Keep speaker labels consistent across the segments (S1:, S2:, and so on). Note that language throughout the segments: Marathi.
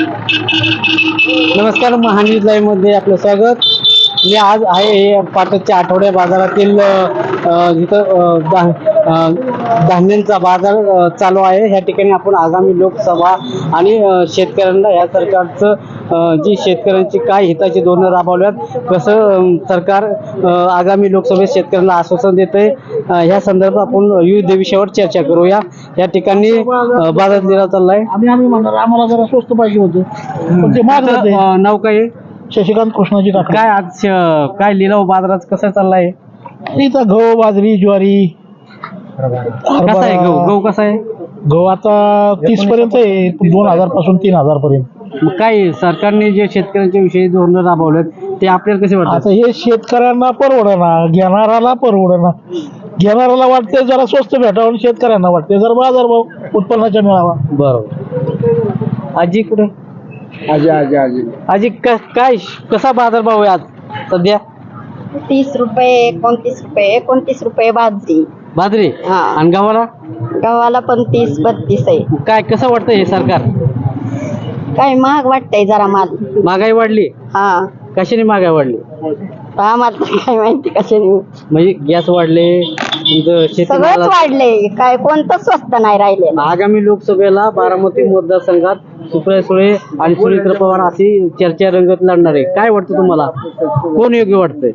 S1: नमस्कार, महान्यूज लाईव्ह मध्ये आपलं स्वागत. मी आज आहे पाटसच्या आठवड्या बाजारातील जिथं धान्यांचा बाजार चालू आहे. ह्या ठिकाणी आपण आगामी लोकसभा आणि शेतकऱ्यांना या सरकारचं जी शेतकऱ्यांची काय हिताची धोरणं राबवल्यात, कसं सरकार आगामी लोकसभेत शेतकऱ्यांना आश्वासन देते, ह्या संदर्भात आपण विविध विषयावर चर्चा करूया. या ठिकाणी बाजार लिलाव चाललाय.
S2: आम्ही म्हणणार आम्हाला जरा स्वस्त पाहिजे होतं, पण ते मागत नाही.
S1: नाव काय आहे?
S2: शशिकांत कृष्णाजी काका.
S1: काय आज काय लिलाव बाजारात कसा चाललाय?
S2: इथं गहू, बाजरी, ज्वारी,
S1: कसा आहे गहू? गहू कसा आहे?
S2: गहू आता 30 पर्यंत आहे, 2000 पासून 3000 पर्यंत.
S1: मग काय सरकारने जे शेतकऱ्यांच्या विषयी धोरणं राबवलेत ते आपल्याला कसे वाटतात?
S2: आता हे शेतकऱ्यांना परवडना, घेणाराला परवडना. घेणाराला वाटते जरा स्वस्त भेटावं आणि शेतकऱ्यांना वाटते जरा बाजारभाव उत्पन्नाचा मिळावा.
S1: बरोबर. आजी कुठे?
S2: आजी आजी आजी
S1: आजी काय कसा बाजारभाव आहे आज सध्या?
S3: 30 रुपये, 29 रुपये बाजरी.
S1: बाजरी
S3: हा.
S1: आणि गव्हाला?
S3: गव्हाला पण 30-32 आहे.
S1: काय कसं वाटतंय हे सरकार?
S3: काय महाग वाटतंय जरा माल.
S1: महागाई वाढली?
S3: हा,
S1: कशाने महागाई वाढली?
S3: आम्हाला तर काय माहिती कशाने.
S1: म्हणजे गॅस वाढले, तुमचं
S3: सगळंच
S1: शेतीमालाला-
S3: वाढलंय, काय कोणतं स्वस्त नाही राहिले.
S1: आगामी लोकसभेला बारामती मतदारसंघात सुप्रिया सुळे आणि सुनीत्र पवार अशी चर्चा रंगत लढणार आहे. काय वाटतं तुम्हाला, कोण योग्य वाटतंय?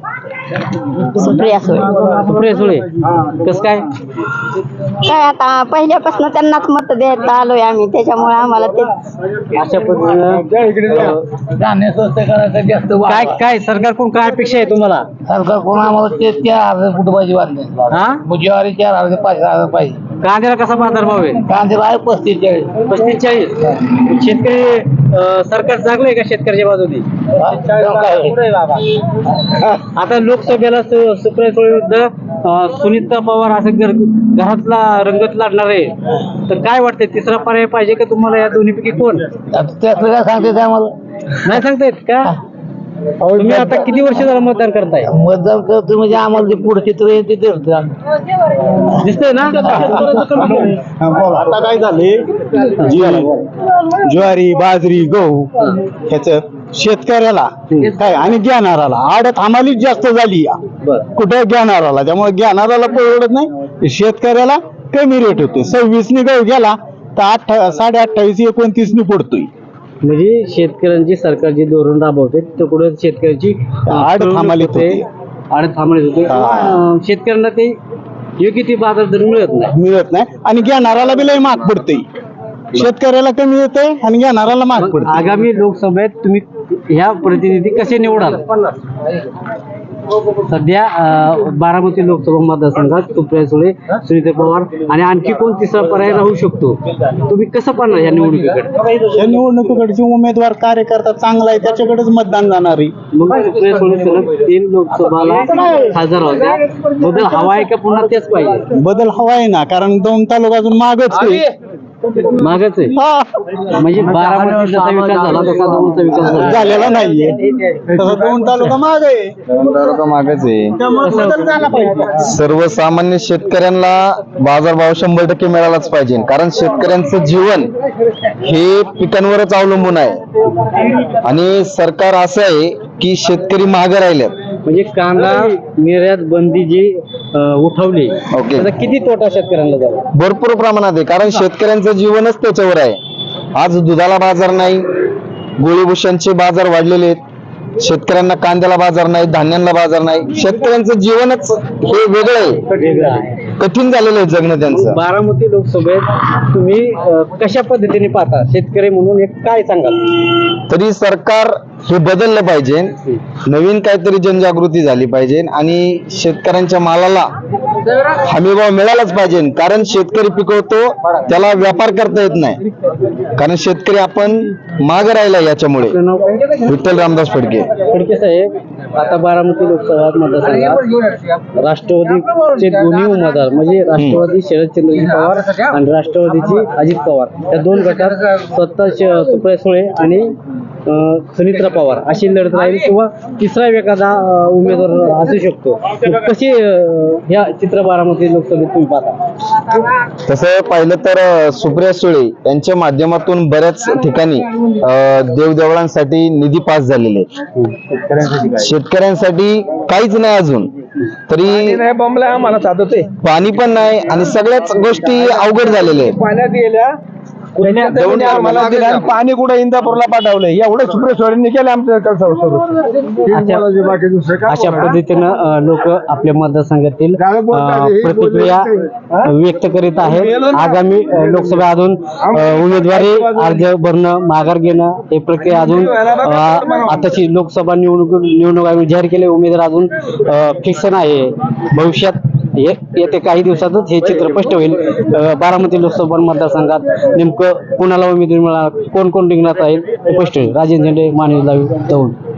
S3: सुप्रिया सुळे.
S1: सुप्रिया सुळे कस काय?
S3: काय आता पहिल्यापासून त्यांनाच मत देत आलोय आम्ही, त्याच्यामुळे आम्हाला ते
S1: अशा पद्धतीनं
S2: धान्य स्वस्त करायचं जास्त
S1: काय काय सरकारकडून काय अपेक्षा आहे तुम्हाला?
S2: सरकार कोण आम्हाला ते 4000 फूट पाहिजे वाढले.
S1: हा,
S2: ज्वारी 4000 5000 पाहिजे.
S1: कांद्याला कसा बाजारभाव आहे?
S2: कांदे आहे 35-40.
S1: 35-40. शेतकरी सरकार जागलंय का शेतकऱ्याच्या बाजूने? आता लोकसभेला सुप्रिया सुळे विरुद्ध सुनीता पवार असं घरातला रंगत लढणार आहे, तर काय वाटतंय तिसरा पर्याय पाहिजे का तुम्हाला या दोन्हीपैकी कोण?
S2: त्यातलं काय सांगते आम्हाला
S1: नाही सांगता येत का? तुम्ही आता किती वर्ष झालं मतदान करताय?
S2: मतदान करतो म्हणजे आम्हाला ते पुढे चित्र आहे ते दिसतं.
S1: दिसतंय ना?
S4: आता काय झाले, ज्वारी, बाजरी, गहू ह्याच शेतकऱ्याला काय आणि घेणाराला आडत हमालीच जास्त झाली. कुठे घेणाराला, त्यामुळे घेणाराला परवडत नाही, शेतकऱ्याला कमी रेट होते. 26 गहू गेला तर 28-29 पडतोय.
S1: म्हणजे शेतकऱ्यांची सरकारची धोरण राबवते तिकडे शेतकऱ्याची
S4: आड थांबलीत होते.
S1: होते. शेतकऱ्यांना ते योग्य ती बाजार दर मिळत नाही
S4: आणि घेणाराला बी लय महाग पडते. शेतकऱ्याला कमी येते आणि घेणाराला महाग पडते.
S1: आगामी लोकसभेत तुम्ही ह्या प्रतिनिधी कसे निवडाल? सध्या बारामती लोकसभा मतदारसंघात सुप्रिया सुळे, सुनीता पवार आणि आणखी कोण तिसरा पर्याय राहू शकतो? तुम्ही कसं पाहणार या निवडणुकीकडे?
S4: या निवडणुकीकडचे उमेदवार कार्यकर्ता चांगला आहे त्याच्याकडेच मतदान जाणार आहे.
S1: मग सुप्रिया सुळे सलग 3 लोकसभाला खासदार होत्या. बदल हवा आहे का पुन्हा तेच पाहिजे?
S4: बदल हवा आहे ना, कारण 2 तालुका अजून मागच आहे.
S1: मागच आहे. म्हणजे बारामती जसा विकास झाला तसा दौंडचा विकास झाला
S4: झालेला नाहीये. तसं 2 तालुका माग आहे.
S5: मागच आहे.
S4: त्यामुळे बदल झाला पाहिजे.
S5: सर्वसामान्य शेतकऱ्यांना बाजारभाव 100% मिळालाच पाहिजे, कारण शेतकऱ्यांचं जीवन हे पिकांवरच अवलंबून आहे. आणि सरकार असं आहे की शेतकरी मागे राहिलेत.
S1: म्हणजे कांदा निर्यात बंदी जी उठवली
S5: ओके.
S1: त्याचा किती तोटा शेतकऱ्यांना झाला?
S5: भरपूर प्रमाणात आहे, कारण शेतकऱ्यांचं जीवनच त्याच्यावर आहे. आज दुधाला बाजार नाही, गोळीभूषणचे बाजार वाढलेले आहेत, शेतकऱ्यांना कांद्याला बाजार नाही, धान्यांना बाजार नाही. शेतकऱ्यांचं जीवनच हे वेगळं आहे, कठीण झालेलं आहे जगणं त्यांचं.
S1: बारामती लोकसभेत तुम्ही कशा पद्धतीने पाहता शेतकरी म्हणून एक काय सांगाल?
S5: तरी सरकार हे बदललं पाहिजे, नवीन काहीतरी जनजागृती झाली पाहिजे आणि शेतकऱ्यांच्या मालाला हमीभाव मिळालाच पाहिजे. कारण शेतकरी पिकवतो त्याला व्यापार करता येत नाही, कारण शेतकरी आपण मागे राहिला. याच्यामुळे विठ्ठल रामदास फडके
S1: साहेब, आता बारामती लोकसभा मतदारसंघात राष्ट्रवादीचे दोन्ही उमेदवार म्हणजे राष्ट्रवादी शरदचंद्रजी पवार आणि राष्ट्रवादीची अजित पवार या 2 गटात स्वतः सुप्रिया सुळे आणि सुनित्रा पवार अशी लढत राहील किंवा तिसरा एखादा उमेदवार असू शकतो. कशी ह्या चित्र बारामती लोकसभेत तुम्ही पाहता?
S5: तसं पाहिलं तर सुप्रिया सुळे यांच्या माध्यमातून बऱ्याच ठिकाणी देवदेवळांसाठी निधी पास झालेले आहेत. शेतकऱ्यांसाठी काहीच नाही अजून तरी
S2: आम्हाला साधत
S5: पाणी पण नाही आणि सगळ्याच गोष्टी अवघड झालेल्या आहेत.
S2: पाण्यात गेल्या पाणी कुठे इंदापूरला पाठवलंय एवढं सुप्रिया सुळेंनी केलं आमच्या
S1: अशा पद्धतीनं लोक आपल्या मतदारसंघातील प्रतिक्रिया व्यक्त करीत आहेत. आगामी लोकसभा अजून उमेदवारी अर्ज भरणं माघार घेणं हे प्रक्रिया अजून आताची लोकसभा निवडणूक आयोग जाहीर केले उमेदवार अजून फिक्स नाही. भविष्यात येते काही दिवसातच हे चित्र स्पष्ट होईल. बारामती लोकसभा मतदारसंघात नेमकं कोणाला उमेदवारी मिळणार, कोण कोण रिंगणात राहील हे स्पष्ट होईल. राजेंद्र झेंडे, माणिक दौंड.